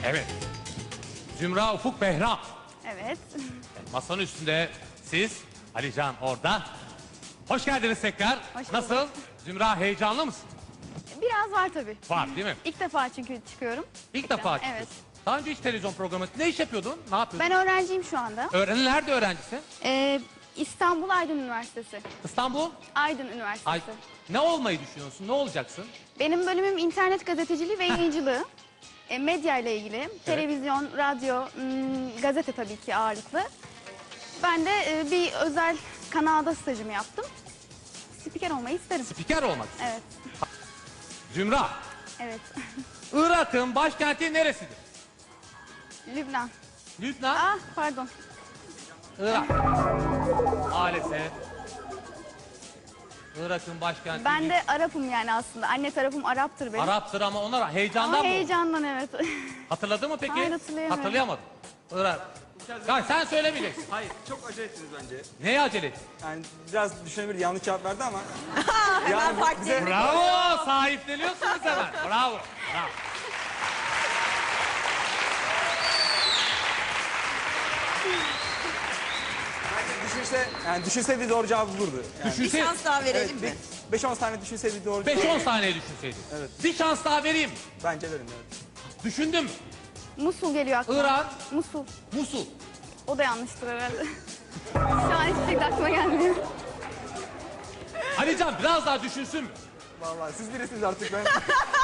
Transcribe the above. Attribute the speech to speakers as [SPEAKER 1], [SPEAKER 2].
[SPEAKER 1] Evet. Zümra, Ufuk, Behram.
[SPEAKER 2] Evet.
[SPEAKER 1] Masanın üstünde siz, Alican orada. Hoş geldiniz tekrar.
[SPEAKER 2] Hoş bulduk.
[SPEAKER 1] Nasıl? Zümra, heyecanlı mısın?
[SPEAKER 2] Biraz var tabii.
[SPEAKER 1] Var değil mi?
[SPEAKER 2] İlk defa çünkü çıkıyorum.
[SPEAKER 1] İlk defa çıkıyorsun.
[SPEAKER 2] Evet.
[SPEAKER 1] Daha önce hiç televizyon programı... Ne iş yapıyordun? Ne yapıyordun?
[SPEAKER 2] Ben öğrenciyim şu anda.
[SPEAKER 1] Nerede öğrencisin?
[SPEAKER 2] İstanbul Aydın Üniversitesi.
[SPEAKER 1] İstanbul?
[SPEAKER 2] Aydın Üniversitesi.
[SPEAKER 1] Ay, ne olmayı düşünüyorsun? Ne olacaksın?
[SPEAKER 2] Benim bölümüm internet gazeteciliği ve yayıncılığı. Medya ile ilgili. Televizyon, radyo, gazete tabii ki ağırlıklı. Ben de bir özel kanalda stajımı yaptım. Spiker olmayı isterim.
[SPEAKER 1] Spiker olmak istiyorsun.
[SPEAKER 2] Evet.
[SPEAKER 1] Zümra,
[SPEAKER 2] Evet.
[SPEAKER 1] Irak'ın başkenti neresidir?
[SPEAKER 2] Lübnan.
[SPEAKER 1] Lübnan,
[SPEAKER 2] Ah pardon.
[SPEAKER 1] Irak. Maalesef. Irak'ın başkenti...
[SPEAKER 2] Ben de Arap'ım yani aslında. Anne tarafım Arap'tır benim.
[SPEAKER 1] Arap'tır ama onlar heyecandan
[SPEAKER 2] Ama
[SPEAKER 1] mı?
[SPEAKER 2] heyecandan evet.
[SPEAKER 1] Hatırladı mı peki?
[SPEAKER 2] Hayır, hatırlayamadım.
[SPEAKER 1] Hatırlayamadım. Irak. Ya sen söylemeyeceksin.
[SPEAKER 3] Hayır, çok acele ettiniz bence.
[SPEAKER 1] Neye acele ettin?
[SPEAKER 3] Yani biraz düşünebilir, yanlış cevap verdi ama.
[SPEAKER 4] Hemen fark
[SPEAKER 3] bize-
[SPEAKER 1] Bravo! Sahipleniyorsunuz hemen. Bravo. Bravo.
[SPEAKER 3] Düşünseydi doğru cevabı bulurdu. Yani.
[SPEAKER 4] Bir şans daha verelim mi?
[SPEAKER 3] 5-10 tane düşünseydi doğru cevabı.
[SPEAKER 1] 5-10 saniye düşünseydin.
[SPEAKER 3] Evet.
[SPEAKER 1] Bir şans daha vereyim.
[SPEAKER 3] Bence verin, evet.
[SPEAKER 1] Düşündün mü?
[SPEAKER 2] Musul geliyor aklıma.
[SPEAKER 1] Irak.
[SPEAKER 2] Musul.
[SPEAKER 1] Musul.
[SPEAKER 2] O da yanlıştır herhalde. Şu an hiçbir şey de aklıma gelmiyor.
[SPEAKER 1] Alican biraz daha düşünsün mü?
[SPEAKER 3] Vallahi siz birisiniz artık ben.